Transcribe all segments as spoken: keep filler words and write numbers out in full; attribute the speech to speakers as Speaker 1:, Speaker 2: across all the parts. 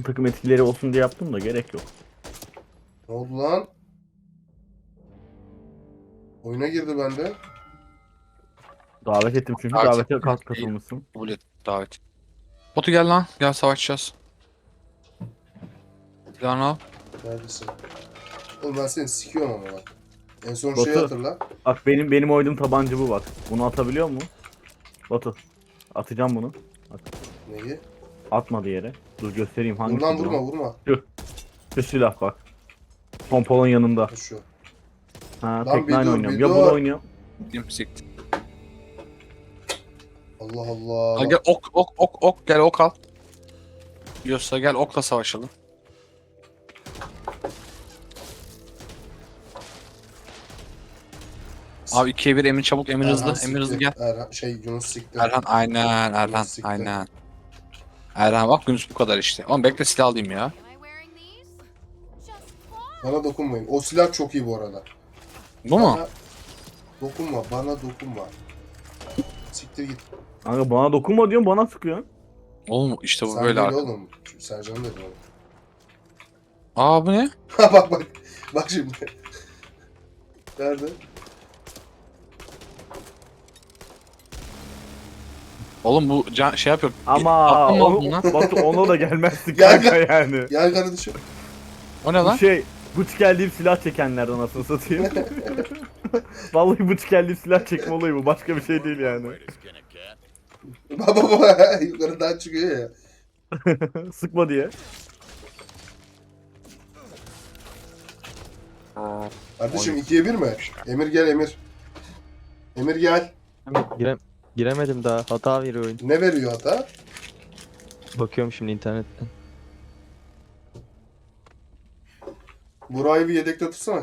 Speaker 1: takım etkileri olsun diye yaptım da gerek yok.
Speaker 2: Ne oldu lan? Oyuna girdi bende.
Speaker 1: Davet ettim çünkü
Speaker 3: Davet
Speaker 1: davete
Speaker 3: ettim.
Speaker 1: kas katılmışsın.
Speaker 3: Kabul et davet. Batu gel lan. Gel savaşacağız. Silahını al.
Speaker 2: Neredesin? Oğlum ben seni sikiyorum ama bak. En son
Speaker 1: Batu.
Speaker 2: şeyi hatırla.
Speaker 1: Bak benim benim oynadığım tabanca bu bak. Bunu atabiliyor mu? Batu. Atacağım bunu. At.
Speaker 2: Neyi?
Speaker 1: Atmadı yere. Dur göstereyim hangisi.
Speaker 2: Vur lan
Speaker 1: bu?
Speaker 2: vurma vurma.
Speaker 1: Şu silah bak. Pompolon yanında.
Speaker 2: Şu.
Speaker 1: Ha,
Speaker 2: Lan
Speaker 1: tek
Speaker 2: bir
Speaker 1: nine
Speaker 2: dur,
Speaker 1: oynuyorum.
Speaker 2: bir
Speaker 1: Ya
Speaker 2: dur.
Speaker 1: bunu oynuyorum.
Speaker 3: Dim siktir.
Speaker 2: Allah Allah.
Speaker 3: Al gel ok ok ok ok gel ok al. Yiyorsa gel okla savaşalım. Abi ikiye bir Emir çabuk Emir
Speaker 2: Erhan
Speaker 3: hızlı Emir hızlı
Speaker 2: sikti.
Speaker 3: gel.
Speaker 2: Erhan, şey Yunus sikti.
Speaker 3: Erhan aynen Erhan
Speaker 2: siktir.
Speaker 3: aynen. Erhan bak Yunus bu kadar işte. Oğlum bekle silah alayım ya.
Speaker 4: Am I wearing these? Just fun.
Speaker 2: Bana dokunmayın. O silah çok iyi bu arada.
Speaker 3: Bu mu?
Speaker 2: Bana dokunma. Bana dokunma. Siktir git.
Speaker 1: Kanka bana dokunma diyorsun bana sıkıyorsun.
Speaker 3: Oğlum işte bu
Speaker 2: Sen
Speaker 3: böyle
Speaker 2: değil
Speaker 3: artık.
Speaker 2: oğlum. Şu Sercan dedi oğlum.
Speaker 3: Aa bu ne?
Speaker 2: bak bak. Bak şimdi. Nerede?
Speaker 3: Oğlum bu can, şey yapıyor.
Speaker 1: Ama
Speaker 3: Aklım
Speaker 1: onu,
Speaker 3: oldu lan.
Speaker 1: Batu ona da gelmezsin
Speaker 2: Gel,
Speaker 1: kanka yani.
Speaker 2: Gel kardeşim.
Speaker 3: O ne
Speaker 1: Bu
Speaker 3: lan?
Speaker 1: şey bıç geldiğim silah çekenlerden anasını satayım. Vallahi bıç geldiğim silah çekme olayı bu. Başka bir şey değil yani.
Speaker 2: Baba baba yukarıdan çıkıyor ya.
Speaker 1: Sıkma diye.
Speaker 2: Kardeşim ikiye bir mi? Emir gel Emir. Emir gel.
Speaker 5: Girem giremedim daha. Hata veriyor oyun.
Speaker 2: Ne veriyor hata?
Speaker 5: Bakıyorum şimdi internetten.
Speaker 2: Burayı bir yedekte tutsana.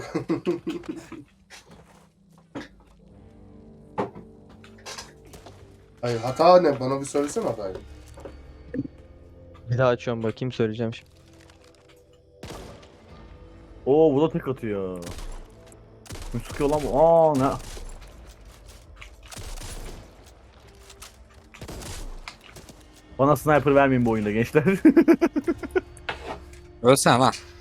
Speaker 2: Hayır hata ne? Bana bir söylesene hatayı.
Speaker 5: Bir daha açıyorum bakayım söyleyeceğim şimdi.
Speaker 1: Oo bu da tek atıyor. Ne sıkıyor lan bu? Aa ne? Bana sniper vermeyin bu oyunda gençler.
Speaker 3: Ölsene lan.
Speaker 4: Wow,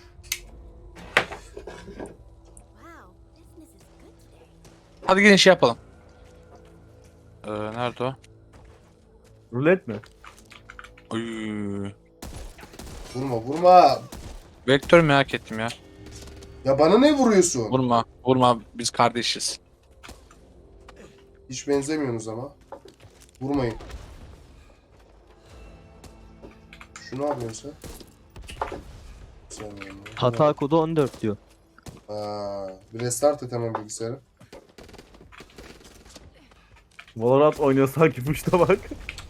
Speaker 4: business is good today.
Speaker 3: Hadi gelin şey yapalım. Ee, nerede o?
Speaker 1: Rulet mi?
Speaker 3: Oy.
Speaker 2: Vurma vurma.
Speaker 3: Vektör merak ettim ya.
Speaker 2: Ya bana ne vuruyorsun?
Speaker 3: Vurma, vurma biz kardeşiz.
Speaker 2: Hiç benzemiyorsunuz ama. Vurmayın. Şu ne yapıyorsun sen? Sen bunu-
Speaker 5: Hata kodu on dört diyor.
Speaker 2: Ha, bir restart et hemen bilgisayarı.
Speaker 1: Valorant oynuyor sanki puşta bak.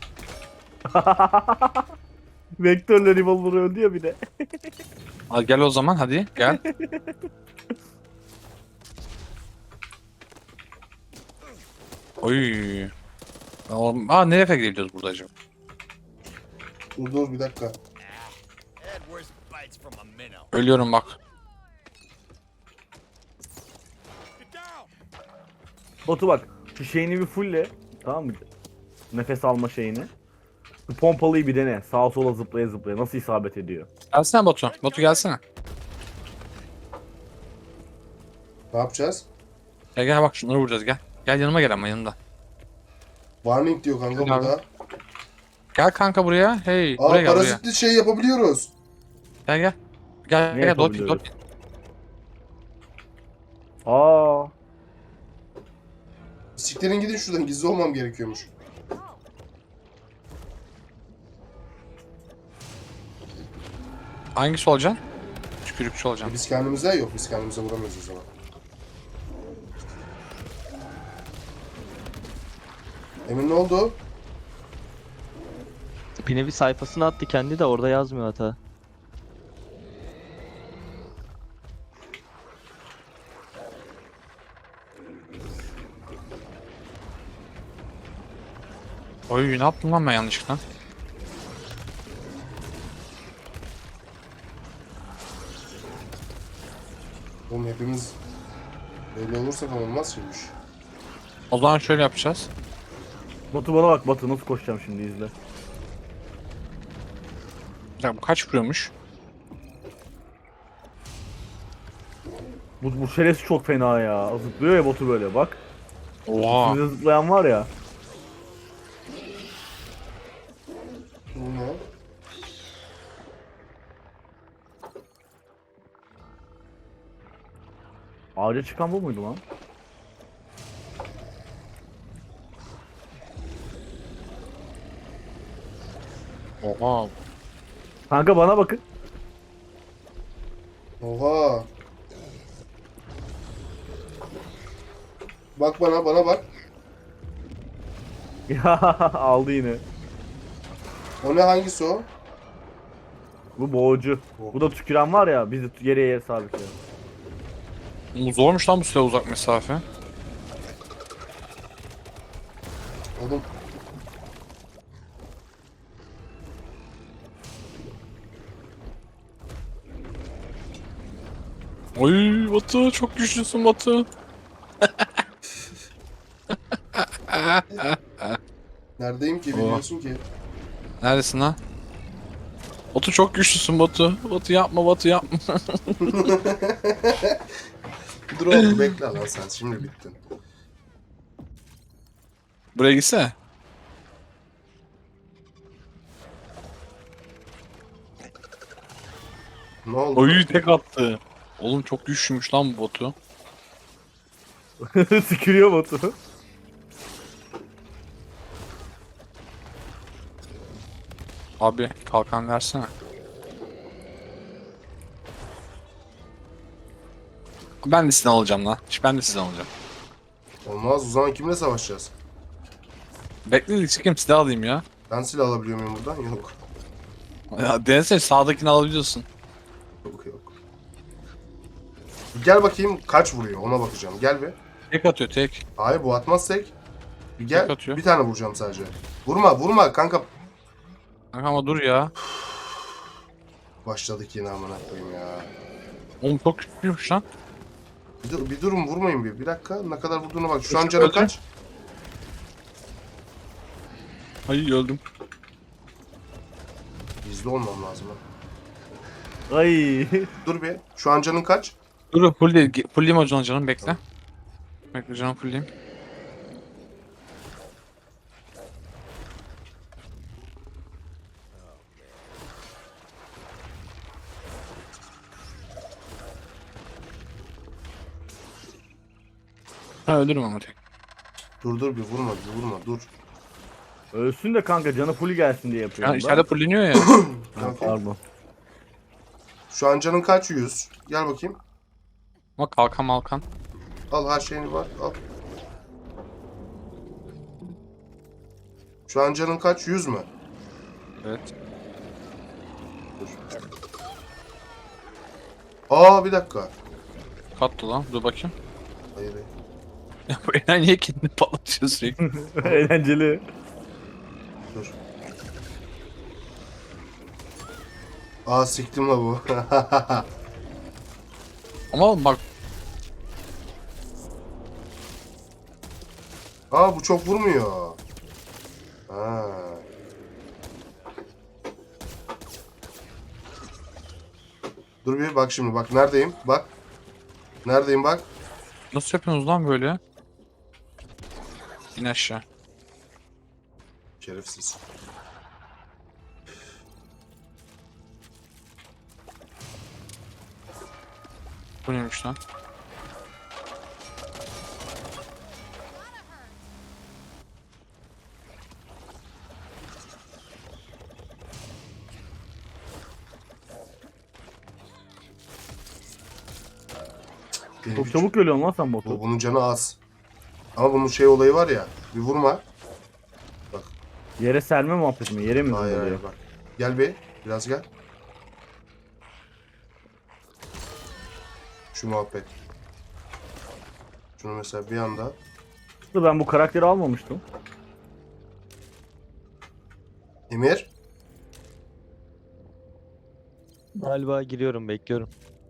Speaker 1: Vektörle revolver öldü ya bir de.
Speaker 3: Hadi gel o zaman hadi gel. Oy. Oğlum, aa nereye kadar gidiyoruz burada acaba?
Speaker 2: Dur dur bir dakika.
Speaker 6: Had worse bites from a minnow.
Speaker 3: Ölüyorum bak.
Speaker 6: Get down!
Speaker 1: Batu bak şu şeyini bir fullle. Tamam mı? Nefes alma şeyini. Bu pompalıyı bir dene. Sağa sola zıplaya zıplaya. Nasıl isabet ediyor?
Speaker 3: Gelsene Batu. Batu gelsene.
Speaker 2: Ne yapacağız?
Speaker 3: Gel gel bak şunları vuracağız gel. Gel yanıma gel ama yanımda.
Speaker 2: Warning diyor kanka
Speaker 3: Gel abi.
Speaker 2: burada.
Speaker 3: Gel kanka buraya. Hey
Speaker 2: Aa
Speaker 3: buraya gel buraya.
Speaker 2: parazitli şey yapabiliyoruz.
Speaker 3: Gel gel. Gel
Speaker 1: Ne
Speaker 3: gel doping
Speaker 1: yapabiliyoruz?
Speaker 3: doping.
Speaker 1: Aa.
Speaker 2: Siktirin gidin şuradan gizli olmam gerekiyormuş.
Speaker 3: Hangisi olacaksın? Tükürükçü
Speaker 2: E
Speaker 3: olacaksın.
Speaker 2: biz kendimize yok biz kendimize vuramıyoruz o zaman. Emin ne oldu?
Speaker 5: Bir nevi sayfasına attı kendi de orada yazmıyor hata.
Speaker 3: Oy ne yaptım lan ben yanlışlıkla?
Speaker 2: Oğlum hepimiz öyle olursak olmaz şimdi.
Speaker 3: O zaman şöyle yapacağız.
Speaker 1: Batu bana bak Batu nasıl koşacağım şimdi izle.
Speaker 3: Ya bu kaç vuruyormuş?
Speaker 1: Bu, bu şerefsiz çok fena ya. Zıplıyor ya botu böyle bak.
Speaker 3: Oha.
Speaker 1: Üstünde zıplayan var ya.
Speaker 2: Bu ne?
Speaker 1: Ağaca çıkan bu muydu lan?
Speaker 3: Oha.
Speaker 1: Kanka bana bakın.
Speaker 2: Oha. Bak bana, bana bak.
Speaker 1: Ya aldı yine.
Speaker 2: O ne, hangisi o?
Speaker 1: Bu boğucu. Bu da tüküren var ya bizi geriye yere sabitliyor.
Speaker 3: Oğlum zormuş lan bu silah uzak mesafe.
Speaker 2: Oğlum
Speaker 3: Oy Batu çok güçlüsün Batu.
Speaker 2: neredeyim ki, bilmiyorsun ki.
Speaker 3: Neredesin lan? Batu çok güçlüsün Batu. Batu yapma Batu yapma.
Speaker 2: Dur oğlum, bekle lan sen, şimdi bittin.
Speaker 3: Buraya gitsene.
Speaker 2: Ne oldu?
Speaker 3: Oy tek attı. Oğlum çok güçlüymüş lan bu Batu.
Speaker 1: Tükürüyor botu.
Speaker 3: Abi kalkan versene. Ben de sizden alacağım lan. Ben de sizden alacağım.
Speaker 2: Olmaz, o zaman kimle savaşacağız?
Speaker 3: Bekle çıkayım silah alayım ya.
Speaker 2: Ben silah alabiliyor muyum buradan? Yok.
Speaker 3: Ya denesene sağdakini alabiliyorsun.
Speaker 2: Yok yok. Bir gel bakayım kaç vuruyor, ona bakacağım. Gel bir.
Speaker 3: Tek atıyor tek.
Speaker 2: Hayır, bu atmaz tek. Bir gel.
Speaker 3: Tek atıyor.
Speaker 2: Bir tane vuracağım sadece. Vurma vurma kanka.
Speaker 3: Kanka ama dur ya.
Speaker 2: Başladık yine, amına koyayım ya.
Speaker 3: Oğlum çok güçlüymüş lan.
Speaker 2: Bir, dur, bir durun, vurmayın bir. Bir dakika, ne kadar vurduğuna bak. Şu an
Speaker 3: Öldü.
Speaker 2: canı kaç?
Speaker 3: Ay öldüm.
Speaker 2: Gizli olmam lazım ha.
Speaker 1: Ay.
Speaker 2: Dur bir. Şu an canın kaç?
Speaker 3: Dur full değil. Fullleyeyim o canım canım bekle. Bekle canım fullleyeyim. Ha ölürüm ama tek.
Speaker 2: Dur dur bir vurma, bir vurma, dur.
Speaker 1: Ölsün de kanka canı full gelsin diye
Speaker 3: Ya
Speaker 1: yapıyorum
Speaker 3: içeride fulleniyor ya.
Speaker 1: Ha,
Speaker 2: Okey.
Speaker 1: pardon.
Speaker 2: Şu an canın kaç? yüz. Gel bakayım.
Speaker 3: Ama kalkan malkan.
Speaker 2: Al, her şeyini var. Al. Şu an canın kaç? yüz mü?
Speaker 3: Evet.
Speaker 2: Dur. Aa, bir dakika.
Speaker 3: Kattı lan. Dur bakayım.
Speaker 2: Hayır. hayır.
Speaker 3: Ya bu Eren niye kendini patlatıyor sürekli?
Speaker 1: Eğlenceli.
Speaker 2: Dur. Aa, siktim la bu.
Speaker 3: Ama oğlum bak
Speaker 2: Aa, bu çok vurmuyor. Ha. Dur bir bak şimdi, bak neredeyim? Bak. Neredeyim bak.
Speaker 3: nasıl yapıyorsunuz lan böyle? İn aşağı.
Speaker 2: Şerefsiz.
Speaker 3: Bu neymiş lan?
Speaker 2: Benim
Speaker 1: Çok
Speaker 2: hiç-
Speaker 1: çabuk ölüyorsun lan sen
Speaker 2: Bu,
Speaker 1: botu.
Speaker 2: bunun canı az. Ama bunun şey olayı var ya. Bir vurma.
Speaker 1: Yere serme muhabbeti mi? Yere mi
Speaker 2: Hayır
Speaker 1: zıplıyor?
Speaker 2: hayır bak. Gel bir. Biraz gel. Şu muhabbet. Şunu mesela bir anda.
Speaker 1: Ben bu karakteri almamıştım.
Speaker 2: Emir.
Speaker 5: Galiba giriyorum, bekliyorum.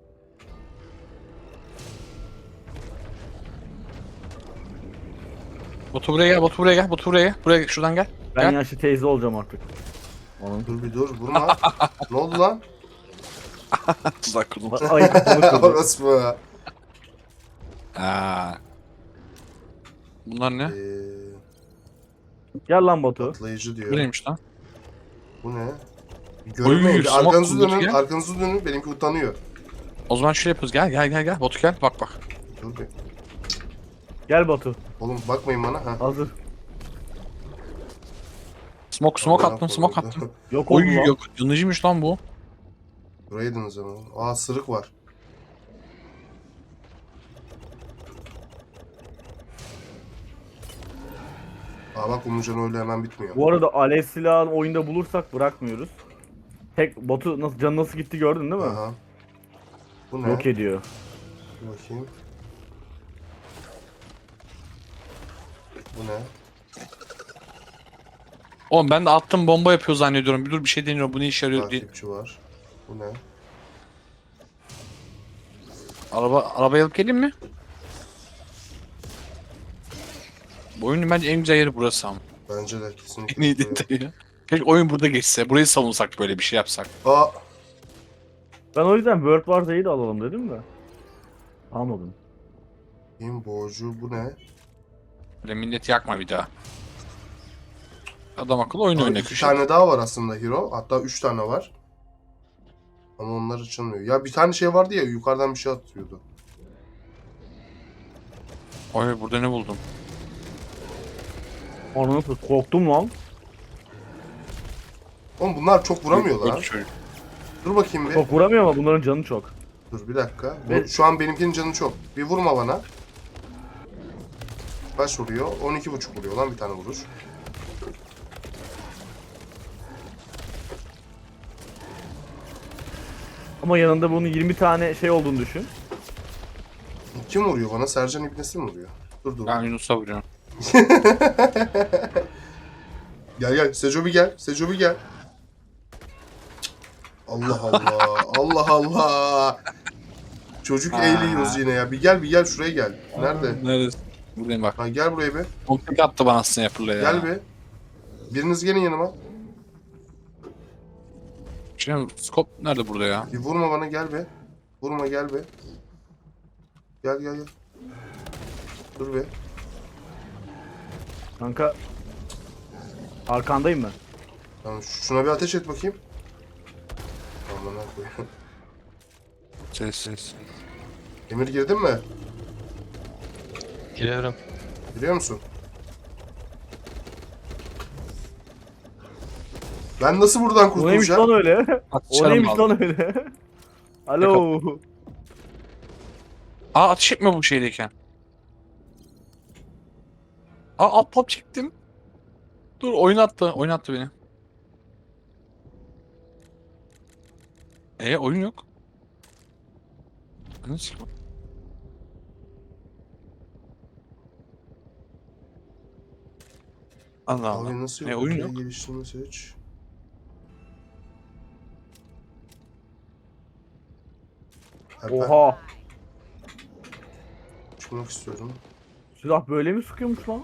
Speaker 3: Batu buraya gel, Batu buraya gel, Batu buraya gel. Buraya gel, şuradan gel.
Speaker 1: Ben
Speaker 3: Gel.
Speaker 1: yaşlı teyze olacağım artık. Onun.
Speaker 2: Dur bir dur. Vurma. Ne oldu lan?
Speaker 3: Tuzak kurdum.
Speaker 1: Ay kafamı kırdı.
Speaker 2: Orası mı?
Speaker 3: Aa. Bunlar ne?
Speaker 2: Ee,
Speaker 1: Gel lan Batu.
Speaker 2: patlayıcı
Speaker 3: Bu
Speaker 2: diyor.
Speaker 3: neymiş lan?
Speaker 2: Bu ne? Görünmeyin. Bir
Speaker 3: smoke
Speaker 2: arkanızı
Speaker 3: bulduk
Speaker 2: dönün.
Speaker 3: ya.
Speaker 2: Arkanızı dönün. Benimki utanıyor.
Speaker 3: O zaman şöyle yapıyoruz. Gel gel gel gel. Batu gel. Bak bak.
Speaker 2: Dur bir.
Speaker 1: Gel Batu.
Speaker 2: Oğlum bakmayın bana. Ha.
Speaker 1: Hazır.
Speaker 3: Smoke smoke
Speaker 2: Allah'ım
Speaker 3: attım. Smoke
Speaker 2: korudu.
Speaker 3: attım.
Speaker 1: Yok oldu
Speaker 3: Oy
Speaker 1: lan.
Speaker 3: yok. Yanıcıymış lan bu.
Speaker 2: Burayıydınız ama. Aa sırık var. Aa bak Umurcan öyle hemen bitmiyor.
Speaker 1: Bu arada alev silahını oyunda bulursak bırakmıyoruz. Tek Batu nasıl canı nasıl gitti gördün değil mi?
Speaker 2: Aha. Bu ne?
Speaker 1: Yok ediyor.
Speaker 2: Bir bakayım. Bu ne?
Speaker 3: Oğlum ben de attım bomba yapıyor zannediyorum. Bir dur bir şey deniyor. Bu ne işe yarıyor diye.
Speaker 2: Takipçi var. Bu ne?
Speaker 3: Araba arabayı alıp geleyim mi? Bu oyunun bence en güzel yeri burası ama.
Speaker 2: Bence de
Speaker 3: En
Speaker 2: kesinlikle.
Speaker 3: iyi detayı. Keşke oyun burada geçse. Burayı savunsak böyle bir şey yapsak.
Speaker 2: Aa
Speaker 1: Ben o yüzden World War Z'yi de alalım dedim de. Almadım.
Speaker 2: kim boğucu bu ne?
Speaker 3: Böyle milleti yakma bir daha. Adam akıllı oyun
Speaker 2: Aa,
Speaker 3: oyna
Speaker 2: iki
Speaker 3: köşe.
Speaker 2: tane daha var aslında hero. Hatta üç tane var. Ama onlar açılmıyor. Ya bir tane şey vardı ya yukarıdan bir şey atıyordu.
Speaker 3: Oy burada ne buldum?
Speaker 1: Onu nasıl korktum lan.
Speaker 2: Oğlum bunlar çok vuramıyor
Speaker 3: Öldü
Speaker 2: lan.
Speaker 3: çocuk.
Speaker 2: Dur bakayım bir.
Speaker 1: Çok vuramıyor ama bunların canı çok.
Speaker 2: Dur bir dakika. Bu,
Speaker 1: Ve-
Speaker 2: şu an benimkinin canı çok. Bir vurma bana. Kaç vuruyor? on iki buçuk vuruyor lan bir tane vuruş.
Speaker 1: Ama yanında bunun yirmi tane şey olduğunu düşün.
Speaker 2: Kim vuruyor bana? Sercan İbnesi mi vuruyor? Dur dur.
Speaker 3: Ben Yunus'a vuruyorum.
Speaker 2: Gel gel. Seco bir gel. Seco bir gel. Allah Allah. Allah Allah. Çocuk
Speaker 3: Aa.
Speaker 2: eğliyoruz yine ya. Bir gel bir gel şuraya gel. Nerede?
Speaker 3: Nerede? Buradayım bak.
Speaker 2: Ha, gel buraya bir.
Speaker 3: Komplik attı bana aslında yapırla ya.
Speaker 2: Gel bir. Biriniz gelin yanıma.
Speaker 3: Şimdi scope nerede burada ya?
Speaker 2: Bir vurma bana gel be. Vurma gel be. Gel gel gel. Dur be.
Speaker 1: Kanka. Arkandayım ben.
Speaker 2: Tamam şuna bir ateş et bakayım. Aman ha koyayım.
Speaker 3: Ses ses.
Speaker 2: Emir girdin mi?
Speaker 5: Giriyorum.
Speaker 2: Biliyor musun? Ben nasıl buradan
Speaker 1: O neymiş lan
Speaker 2: kurtulacağım?
Speaker 1: öyle? O
Speaker 3: Atışarım
Speaker 1: neymiş
Speaker 3: aldı.
Speaker 1: lan öyle? Alo.
Speaker 3: Aa ateş etme bu şeydeyken. Aa alt pop çektim. Dur oyun attı. Oyun attı beni. E oyun yok. Nasıl? Allah Allah.
Speaker 2: Abi nasıl
Speaker 3: E,
Speaker 2: yok?
Speaker 3: oyun
Speaker 2: Buraya
Speaker 3: yok.
Speaker 2: Geliştirme seç. Ha, ben
Speaker 1: Oha.
Speaker 2: çıkmak istiyorum.
Speaker 1: Silah böyle mi sıkıyormuş lan?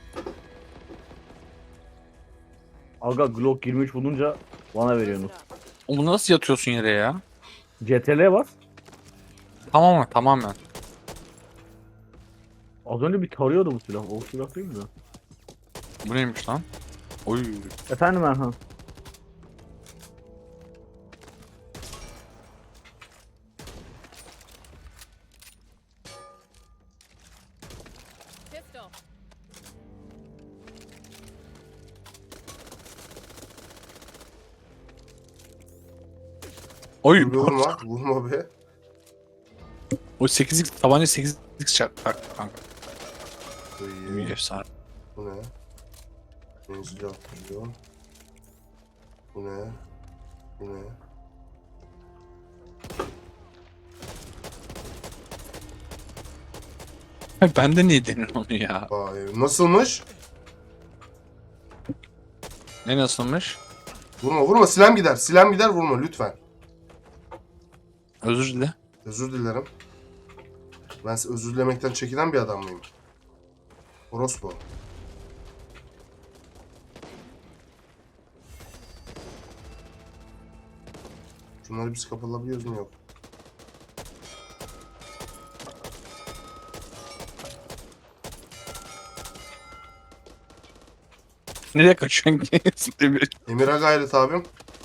Speaker 1: Aga Glock yirmi üç bulunca bana veriyorsunuz.
Speaker 3: Oğlum bunu nasıl yatıyorsun yere ya?
Speaker 1: C T L'ye bas.
Speaker 3: Tamamen tamamen.
Speaker 1: Az önce bir tarıyordu bu silah. O silah değil mi?
Speaker 3: Bu neymiş lan? Oy.
Speaker 1: Efendim Erhan.
Speaker 4: Pistol.
Speaker 3: Oy.
Speaker 2: Dur be, vurma. Vurma be.
Speaker 3: O sekizlik tabanca sekizlik çarp tak kanka.
Speaker 2: Bu
Speaker 3: İyi
Speaker 2: iyi.
Speaker 3: efsane.
Speaker 2: Bu ne? Menzili atıyor. Bu ne? Bu ne?
Speaker 3: Ben de niye denir onu ya?
Speaker 2: Vay, nasılmış?
Speaker 3: Ne nasılmış?
Speaker 2: Vurma vurma silahım gider. Silahım gider vurma lütfen.
Speaker 3: Özür dile.
Speaker 2: Özür dilerim. Ben özür dilemekten çekinen bir adam mıyım? Orospu. Şunları biz kapatabiliyoruz mu yok?
Speaker 3: Nereye kaçıyorsun ki? Emir.
Speaker 2: Emir'e gayret abim.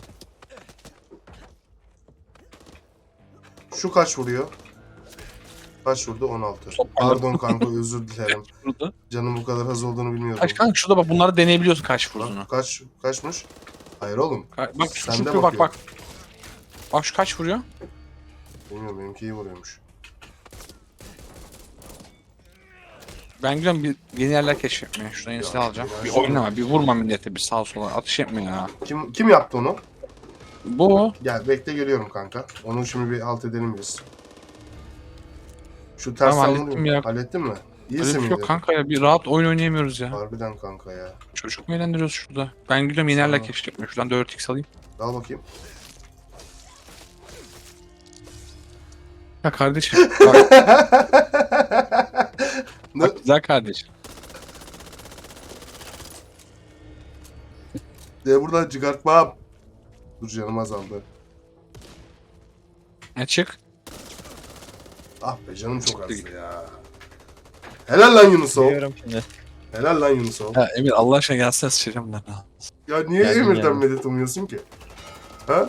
Speaker 2: Şu kaç vuruyor? Kaç vurdu? on altı. Pardon kanka, özür dilerim.
Speaker 3: Burada.
Speaker 2: Canım bu kadar az olduğunu bilmiyordum.
Speaker 3: Kaç kanka şurada bak, bunları deneyebiliyorsun kaç vurduğunu.
Speaker 2: Bak, kaç kaçmış? Hayır oğlum.
Speaker 3: Ka- Bak şu,
Speaker 2: Sen de
Speaker 3: şu bak
Speaker 2: bakıyorsun.
Speaker 3: bak. Bak şu kaç vuruyor?
Speaker 2: Bilmiyorum, benimki iyi vuruyormuş.
Speaker 3: Ben gidiyorum bir yeni yerler keşfetmeye. Şuradan yenisini
Speaker 2: Ya,
Speaker 3: alacağım.
Speaker 2: ben
Speaker 3: Bir
Speaker 2: şimdi-
Speaker 3: oynama, bir vurma millete, bir sağa sola. Atış etme ya.
Speaker 2: Kim kim yaptı onu?
Speaker 3: Bu.
Speaker 2: Gel bekle, geliyorum kanka. Onu şimdi bir alt edelim biz. Şu ters
Speaker 3: Tamam,
Speaker 2: tamam,
Speaker 3: hallettim ya.
Speaker 2: Hallettin mi?
Speaker 3: Öyle
Speaker 2: İyisin
Speaker 3: bir şey
Speaker 2: miydi?
Speaker 3: yok kanka ya. Bir rahat oyun oynayamıyoruz ya.
Speaker 2: Harbiden kanka ya.
Speaker 3: Çocuk mu eğlendiriyoruz şurada? Ben gidiyorum yeni yerler
Speaker 2: Tamam.
Speaker 3: keşfetmeye. Şuradan dört x alayım.
Speaker 2: Al bakayım.
Speaker 3: Ya kardeşim. Bak,
Speaker 2: Ne?
Speaker 3: bak güzel kardeşim.
Speaker 2: De buradan çıkartmam. Dur, canım azaldı.
Speaker 3: Ne çık?
Speaker 2: Ah be, canım çok
Speaker 3: Çıktı.
Speaker 2: azdı ya. Helal lan Yunusov.
Speaker 5: Biliyorum şimdi.
Speaker 2: Helal lan Yunusov.
Speaker 3: Ya Emir Allah aşkına gelsene sıçacağım ben ha.
Speaker 2: Ya niye
Speaker 5: Geldim
Speaker 2: Emir'den
Speaker 5: yani.
Speaker 2: medet umuyorsun ki? Ha?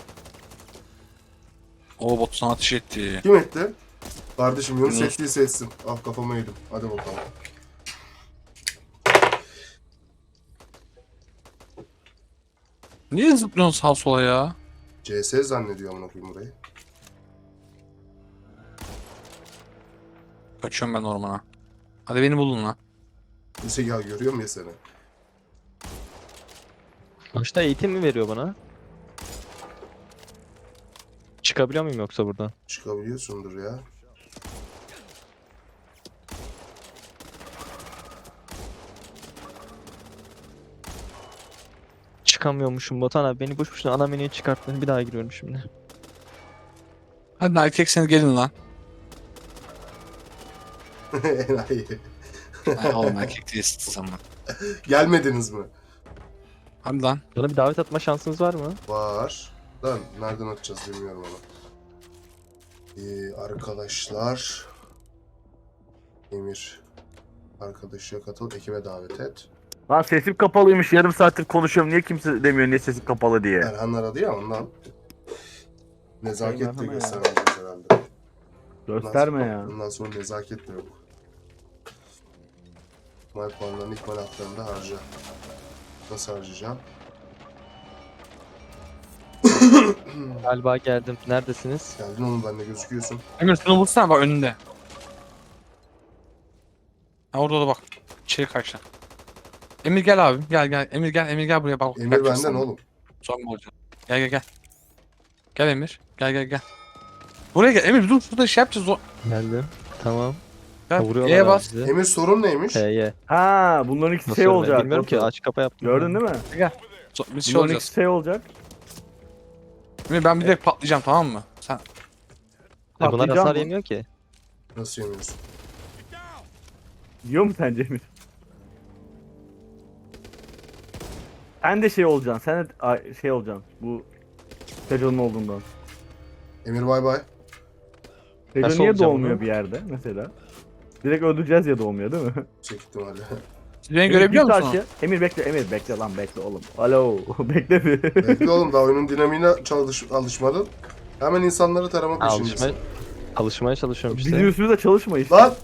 Speaker 3: O bot sana ateş etti.
Speaker 2: Kim etti? Kardeşim Yunus
Speaker 3: Yunus.
Speaker 2: ettiyse etsin. Ah, kafama yedim. Hadi bakalım.
Speaker 3: Niye zıplıyorsun sağa sola ya?
Speaker 2: C S zannediyor amına koyayım burayı.
Speaker 3: Kaçıyorum ben ormana. Hadi beni bulun lan.
Speaker 2: Neyse ya, görüyorum ya seni.
Speaker 5: Başta eğitim mi veriyor bana? Çıkabiliyor muyum yoksa buradan?
Speaker 2: Çıkabiliyorsundur ya.
Speaker 5: Çıkamıyormuşum Botan abi. Beni boş boşuna ana menüye çıkarttın. Bir daha giriyorum şimdi.
Speaker 3: Hadi lan erkekseniz gelin lan.
Speaker 2: Enayi.
Speaker 3: Ay oğlum erkek değilsiniz ama.
Speaker 2: Gelmediniz mi?
Speaker 3: Hadi lan.
Speaker 5: Bana bir davet atma şansınız var mı?
Speaker 2: Var. Lan nereden atacağız bilmiyorum onu. Ee, arkadaşlar. Emir. Arkadaşa katıl, ekibe davet et.
Speaker 1: Lan sesim kapalıymış, yarım saattir konuşuyorum. Niye kimse demiyor niye sesim kapalı diye.
Speaker 2: Erhan aradı ya ondan. Nezaket de
Speaker 1: Erhan'a ya.
Speaker 2: göstermeyeceğiz herhalde.
Speaker 1: Gösterme ya.
Speaker 2: Bundan sonra nezaket de yok. İkmal puanlarını ikmal haklarında harca. Nasıl harcayacağım?
Speaker 5: Galiba geldim. Neredesiniz?
Speaker 2: Geldin oğlum, benimle gözüküyorsun.
Speaker 3: Emir şunu vursana bak önünde. Ha orada da bak. İçeri kaçtı. Emir gel abi. Gel gel. Emir gel. Emir gel buraya bak.
Speaker 2: Emir
Speaker 3: Kaçacağız
Speaker 2: benden
Speaker 3: sana.
Speaker 2: oğlum.
Speaker 3: Son mu olacak? Gel gel gel. Gel Emir. Gel gel gel. Buraya gel. Emir dur şurada şey yapacağız. O...
Speaker 5: Geldim. Tamam.
Speaker 3: Gel.
Speaker 5: Vuruyorlar
Speaker 3: E'ye
Speaker 5: abi
Speaker 3: bas.
Speaker 5: bizi.
Speaker 2: Emir, sorun neymiş?
Speaker 5: H'ye.
Speaker 1: Ha, bunların ikisi
Speaker 5: Nasıl
Speaker 1: şey
Speaker 5: ölmedi
Speaker 1: olacak.
Speaker 5: bilmiyorum ki.
Speaker 1: Batu.
Speaker 5: Aç kapa yaptım.
Speaker 1: Gördün değil mi?
Speaker 3: So- Biz şey
Speaker 1: Bunların
Speaker 3: olacağız.
Speaker 1: ikisi şey olacak.
Speaker 3: Emir ben bir direkt patlayacağım tamam mı? Sen
Speaker 5: E bunlar
Speaker 1: Patlayacağım
Speaker 5: hasar
Speaker 1: mı?
Speaker 5: yemiyor ki.
Speaker 2: Nasıl yemiyorsun?
Speaker 1: Yiyor mu sence Emir? Sen de şey olacaksın. Sen de ay, şey olacaksın. Bu Sejo'nun olduğundan.
Speaker 2: Emir bay bay.
Speaker 1: Sejo
Speaker 5: Nasıl
Speaker 1: niye
Speaker 5: olacağım
Speaker 1: doğmuyor
Speaker 5: bunu?
Speaker 1: bir yerde mesela? Direkt öldüreceğiz ya doğmuyor değil mi?
Speaker 2: Çektim hadi.
Speaker 3: siz beni
Speaker 1: Emir,
Speaker 3: görebiliyor
Speaker 1: git
Speaker 3: musunuz?
Speaker 1: aşağı. Emir bekle, Emir bekle lan bekle oğlum. Alo, bekle bir.
Speaker 2: Bekle oğlum, daha oyunun dinamiğine çalış alışmadın. Hemen insanları tarama
Speaker 5: Alışma,
Speaker 2: peşindesin.
Speaker 5: alışmaya çalışıyorum işte.
Speaker 1: Bizim üstümüze çalışma işte.
Speaker 2: Lan!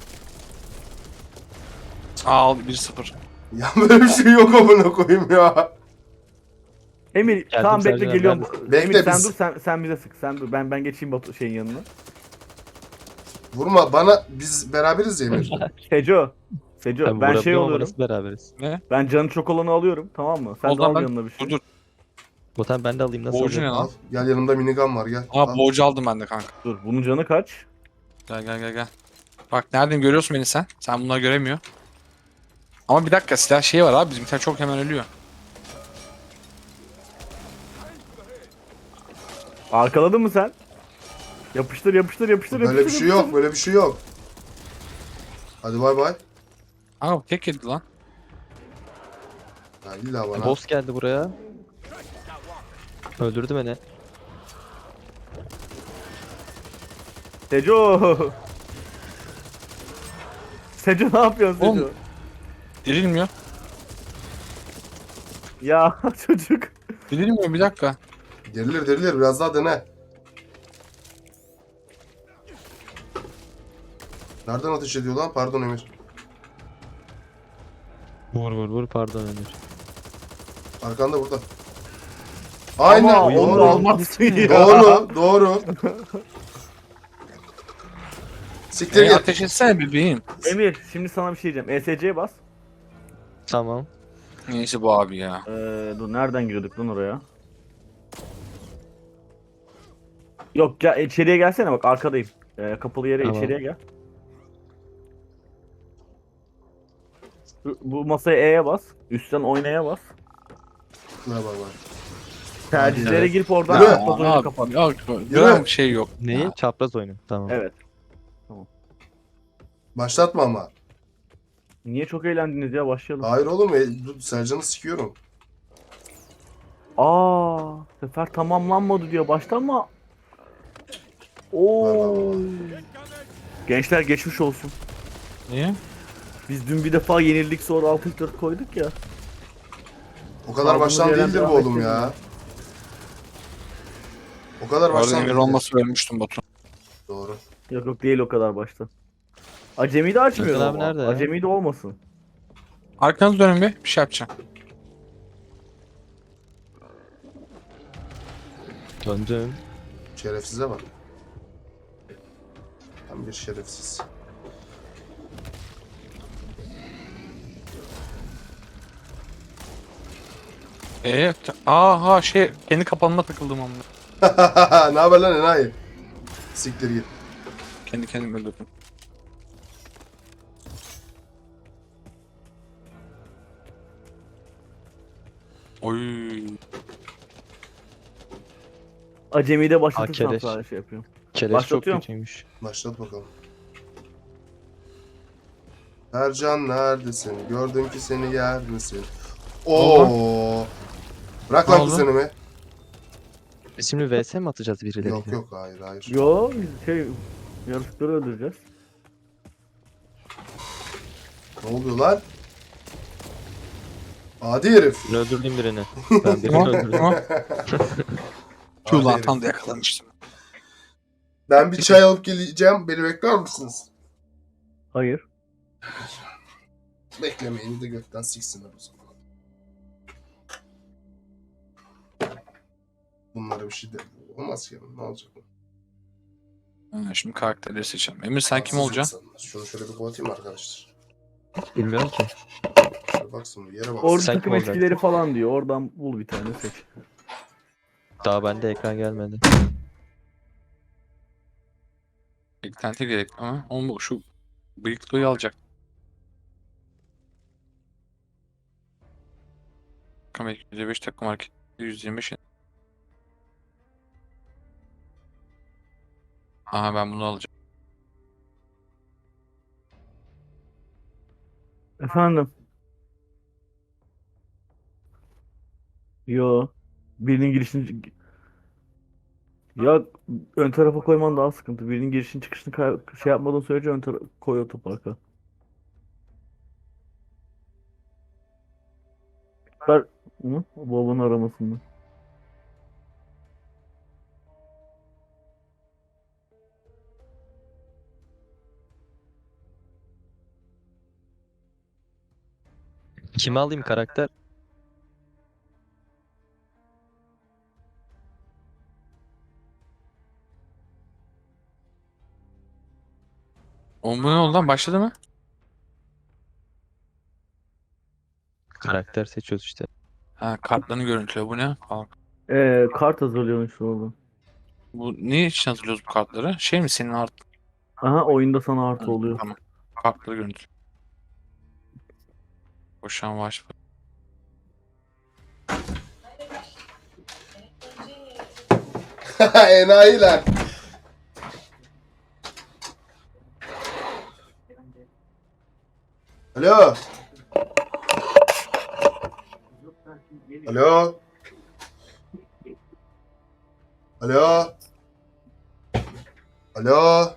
Speaker 3: Al bir sıfır.
Speaker 2: Ya böyle bir şey yok amına koyayım ya.
Speaker 1: Emir tamam bekle
Speaker 5: Sercan,
Speaker 1: geliyorum.
Speaker 2: Bekle
Speaker 1: Emir sen
Speaker 2: biz-
Speaker 1: dur sen sen bize sık. Sen dur ben ben geçeyim Batu şeyin yanına.
Speaker 2: Vurma bana, biz beraberiz ya Emir.
Speaker 1: Sejo. Sejo
Speaker 5: Tabii
Speaker 1: ben şey
Speaker 5: vurabiliyorum ama
Speaker 1: oluyorum.
Speaker 5: nasıl beraberiz?
Speaker 1: Ben canı çok olanı alıyorum tamam mı? Sen
Speaker 3: O
Speaker 1: de
Speaker 3: zaman
Speaker 1: al
Speaker 3: ben-
Speaker 1: yanına bir şey.
Speaker 3: Dur dur.
Speaker 5: Botan ben de alayım nasıl
Speaker 3: Borcu ne
Speaker 5: alayım?
Speaker 2: Al.
Speaker 3: lan?
Speaker 2: Gel, yanımda minigun var, gel.
Speaker 3: Aa
Speaker 2: Al.
Speaker 3: borcu aldım ben de kanka.
Speaker 1: Dur bunun canı kaç?
Speaker 3: Gel gel gel gel. Bak neredeyim görüyorsun beni sen. Sen bunları göremiyor. Ama bir dakika silah şeyi var abi bizimkiler çok hemen ölüyor.
Speaker 1: Arkaladın mı sen? Yapıştır yapıştır yapıştır
Speaker 2: Böyle bir
Speaker 1: yapıştır,
Speaker 2: şey yok, böyle bir şey yok. Hadi bay bay.
Speaker 3: Aa tek yedi lan.
Speaker 2: Ya illa bana.
Speaker 5: Boss geldi buraya. Öldürdü beni.
Speaker 1: Sejo. Sejo ne yapıyorsun Sejo?
Speaker 3: Oğlum. Dirilmiyor.
Speaker 1: Ya çocuk.
Speaker 3: Bilmiyorum bir dakika.
Speaker 2: Derilir derilir biraz daha dene. Nereden ateş ediyor lan? Pardon Emir.
Speaker 5: Vur vur vur pardon Emir.
Speaker 2: Arkanda burada. Aynen.
Speaker 1: Ama onu
Speaker 2: doğru.
Speaker 1: almazsın ya.
Speaker 2: Doğru. Doğru. Siktir
Speaker 3: E,
Speaker 2: git.
Speaker 3: ateş etsene bebeğim.
Speaker 1: Emir şimdi sana bir şey diyeceğim. E S C'ye bas.
Speaker 5: Tamam.
Speaker 3: Neyse bu abi ya.
Speaker 1: Ee, dur nereden giriyorduk lan oraya? Yok gel içeriye gelsene bak arkadayım. Ee, kapalı yere
Speaker 5: Tamam.
Speaker 1: içeriye gel. Bu- Bu masaya E'ye bas. Üstten oynaya bas.
Speaker 2: Ne var var.
Speaker 1: Tercihlere
Speaker 5: Evet.
Speaker 1: girip oradan
Speaker 2: Yürü.
Speaker 1: kapat oyunu kapat.
Speaker 3: Abi, yok, gram şey yok.
Speaker 5: Neyi?
Speaker 3: Ya.
Speaker 5: Çapraz oyunu. Tamam.
Speaker 1: Evet.
Speaker 2: Başlatma ama.
Speaker 1: Niye çok eğlendiniz ya başlayalım.
Speaker 2: Hayır oğlum. E, dur, Sercan'ı sikiyorum.
Speaker 1: Aa, sefer tamamlanmadı diyor. Baştan mı?
Speaker 2: Var,
Speaker 1: Oo.
Speaker 2: var, var.
Speaker 1: Gençler geçmiş olsun.
Speaker 3: Niye?
Speaker 1: Biz dün bir defa yenildik sonra altı dört koyduk ya.
Speaker 2: O kadar
Speaker 1: Kaldığımız
Speaker 2: baştan
Speaker 1: yerden
Speaker 2: değildir bu
Speaker 1: devam
Speaker 2: oğlum
Speaker 1: ettirelim.
Speaker 2: ya. O kadar
Speaker 3: Bu arada
Speaker 2: baştan
Speaker 3: Emir
Speaker 2: değildir.
Speaker 3: olması ölmüştüm Batu.
Speaker 2: Doğru.
Speaker 1: Yok yok değil o kadar başta. Acemi de açmıyor
Speaker 5: Özkan abi
Speaker 1: ama.
Speaker 5: nerede ya?
Speaker 1: Acemi de olmasın.
Speaker 3: Arkanızı dönün bir. Bir şey yapacağım.
Speaker 5: Döndüm.
Speaker 2: Şerefsize bak. Tam bir şerefsiz.
Speaker 3: Eee aha şey kendi kapanıma takıldım ama.
Speaker 2: Ne haber lan enayi? Siktir git.
Speaker 3: Kendi kendimi öldürdüm. Oy.
Speaker 1: Acemi de başlatırsan
Speaker 5: Keleş.
Speaker 1: sadece şey yapıyorum.
Speaker 5: Keleş çok
Speaker 1: Başlatıyorum.
Speaker 5: kötüymüş.
Speaker 2: Başlat bakalım. Ercan neredesin? Gördüm ki seni yer misin? Oo. Bırak
Speaker 3: Ne
Speaker 2: lan
Speaker 3: oldu?
Speaker 2: kuzenimi.
Speaker 5: Biz şimdi V S mi atacağız birileriyle?
Speaker 2: Yok yok hayır hayır.
Speaker 1: Yo biz şey yarışıkları öldüreceğiz.
Speaker 2: Ne oluyor lan? Adi herif.
Speaker 5: Ben öldürdüm birini. Ben birini
Speaker 3: Tamam
Speaker 5: öldürdüm.
Speaker 3: tamam.
Speaker 2: Adi
Speaker 3: Tüh lan
Speaker 2: herif.
Speaker 3: tam da yakalamıştım.
Speaker 2: Ben bir çay alıp geleceğim. Beni bekler misiniz?
Speaker 1: Hayır.
Speaker 2: Beklemeyin de gökten siksinler o zaman. Bunlara bir şey de olmaz ki. Ne olacak?
Speaker 3: Ha, şimdi karakterleri seçelim. Emir sen kim
Speaker 2: Haksız
Speaker 3: olacaksın?
Speaker 2: insanlar. Şunu şöyle bir kapatayım arkadaşlar.
Speaker 5: Bilmiyorum ki.
Speaker 2: Şöyle baksın bir yere bak.
Speaker 1: Orada
Speaker 5: Sen
Speaker 1: takım
Speaker 5: kim olacaksın?
Speaker 1: etkileri falan diyor. Oradan bul bir tane seç.
Speaker 5: Daha bende ekran gelmedi.
Speaker 3: Eklenti gerek ama onu şu bıyıklıyı alacak. Takım yüzde beş takım hareket yüz yirmi beş. Aha ben bunu alacağım.
Speaker 1: Efendim. Yo. Birinin girişini ya ön tarafa koyman daha sıkıntı. Birinin girişini çıkışını kay- şey yapmadan sürece ön tarafa koy otoparka. Ver. Hı? Babanın aramasında.
Speaker 5: Kimi alayım karakter?
Speaker 3: O bu ne oldu lan başladı mı?
Speaker 5: Karakter seçiyoruz işte.
Speaker 3: Ha kartlarını görüntülüyor bu ne? Aa,
Speaker 1: Ee, kart hazırlıyorsun işte orada.
Speaker 3: bu ne için hazırlıyoruz bu kartları? Şey mi senin art?
Speaker 1: Aha oyunda sana artı
Speaker 3: Ha,
Speaker 1: oluyor.
Speaker 3: Tamam. Kartları görüntülüyor. Koşan var.
Speaker 2: Enayiler. Alo. Alo. Alo. Alo.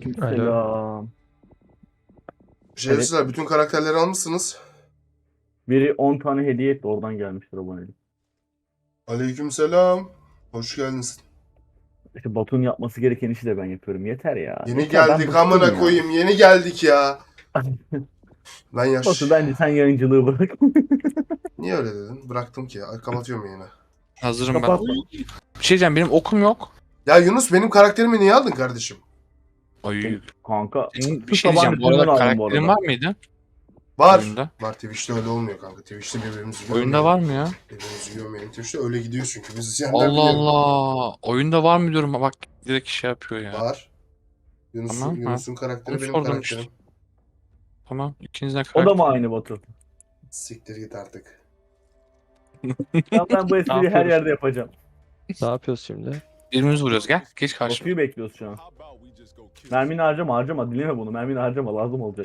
Speaker 1: Aleykümselam.
Speaker 2: Şerefsizler bütün karakterleri almışsınız.
Speaker 1: Biri on tane hediye etti, oradan gelmiştir abonelik.
Speaker 2: Aleykümselam. Hoş geldiniz.
Speaker 1: İşte Batu'nun yapması gereken işi de ben yapıyorum. Yeter ya.
Speaker 2: Yeni
Speaker 1: Yeter, ben
Speaker 2: geldik
Speaker 1: bıktım
Speaker 2: amına
Speaker 1: ya.
Speaker 2: koyayım. Yeni geldik ya. Ben yaş.
Speaker 1: Batu bence sen yayıncılığı bırak.
Speaker 2: Niye öyle dedin? Bıraktım ki. Ay, kapatıyorum yayını.
Speaker 3: Hazırım ben.
Speaker 1: Kapat.
Speaker 3: Bir şey diyeceğim, benim okum yok.
Speaker 2: Ya Yunus benim karakterimi niye aldın kardeşim?
Speaker 3: Ay.
Speaker 1: Kanka.
Speaker 3: Senin bir
Speaker 1: Şu
Speaker 3: şey diyeceğim. Bu
Speaker 1: tabancasından
Speaker 3: arada
Speaker 1: aldım bu
Speaker 3: karakterin
Speaker 1: arada.
Speaker 3: var mıydı?
Speaker 2: Var.
Speaker 3: Oyunda.
Speaker 2: Var Twitch'te öyle olmuyor kanka. Twitch'te birbirimizi
Speaker 3: Oyunda var mı ya?
Speaker 2: Birbirimizi görmeyelim. Twitch'te öyle gidiyor çünkü. Biz izleyenler
Speaker 3: Allah
Speaker 2: biliyor.
Speaker 3: Allah. Oyunda var mı diyorum. Bak direkt şey yapıyor ya.
Speaker 2: Var. Yunus'un
Speaker 3: Tamam, ha.
Speaker 2: Yunus'un karakteri
Speaker 3: Onu
Speaker 2: benim
Speaker 3: sordum
Speaker 2: karakterim.
Speaker 3: işte. Tamam. İkinizden
Speaker 1: O
Speaker 3: karakter.
Speaker 1: da mı aynı Batu?
Speaker 2: Siktir git artık.
Speaker 1: Ya ben bu espriyi her
Speaker 5: yapıyoruz?
Speaker 1: yerde yapacağım.
Speaker 5: Ne yapıyoruz şimdi?
Speaker 3: Birbirimizi vuruyoruz. Gel. Geç karşıma.
Speaker 1: Batu'yu bekliyoruz şu an.
Speaker 6: How about we just go kill
Speaker 1: Mermini harcama harcama. Dinleme bunu. Mermini harcama. Lazım olacak.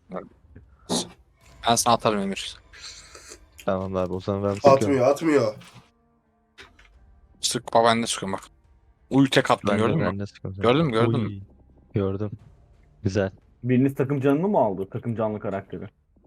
Speaker 3: Ben sana atarım Emir.
Speaker 5: Tamam abi o zaman ben sıkıyorum.
Speaker 2: Atmıyor atmıyor.
Speaker 3: Sık bak, ben de sıkıyorum bak. Uy tek attım,
Speaker 5: Ben de,
Speaker 3: gördün mü?
Speaker 5: ben de sıkıyorum.
Speaker 3: Gördün mü, gördün mü?
Speaker 5: Uy, Gördüm. Güzel.
Speaker 1: Biriniz takım canını mı aldı? Takım canlı karakteri.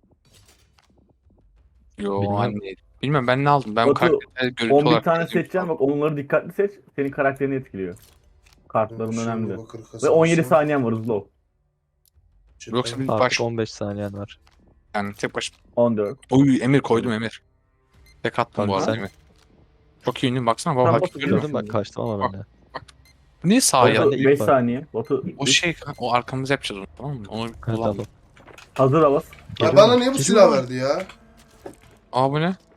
Speaker 3: Yo
Speaker 5: Bilmem.
Speaker 3: anne. Bilmem ben ne aldım. Ben bu
Speaker 1: Batu,
Speaker 3: karakteri görüntü
Speaker 1: on bir
Speaker 3: olarak
Speaker 1: tane
Speaker 3: gördüm.
Speaker 1: seçeceksin, bak onları dikkatli seç. Senin karakterini etkiliyor. Kartların
Speaker 2: Şimdi
Speaker 1: önemli.
Speaker 2: bakır
Speaker 1: Ve
Speaker 2: kasabası.
Speaker 1: on yedi saniyen var, hızlı ol.
Speaker 3: Yoksa bir
Speaker 5: Artık
Speaker 3: baş
Speaker 5: on beş saniyen var.
Speaker 3: yani tek baş.
Speaker 1: on dört.
Speaker 3: Oy Emir koydum Emir. Tek attım bu
Speaker 5: Kanka
Speaker 3: arada
Speaker 5: sen-
Speaker 3: Emir. Çok iyi ünlü baksana baba.
Speaker 1: Sen
Speaker 3: Bak,
Speaker 1: Batu
Speaker 3: görüyor musun?
Speaker 5: Gördün bak kaçtım ama ben de.
Speaker 3: Niye sağa
Speaker 5: Ben
Speaker 1: Batu
Speaker 5: de
Speaker 3: ya?
Speaker 5: ilk
Speaker 1: beş
Speaker 5: var.
Speaker 1: saniye. Batu
Speaker 3: O
Speaker 1: üç.
Speaker 3: şey o arkamızda yapacağız onu, tamam mı? Onu bir
Speaker 5: Evet
Speaker 3: kullan.
Speaker 5: tamam.
Speaker 1: Hazır Abbas.
Speaker 2: Ya
Speaker 5: Geliyor
Speaker 2: bana
Speaker 5: mu?
Speaker 2: niye bu
Speaker 5: Geliyor
Speaker 2: silah
Speaker 5: mu?
Speaker 2: verdi ya?
Speaker 3: Aa bu ne?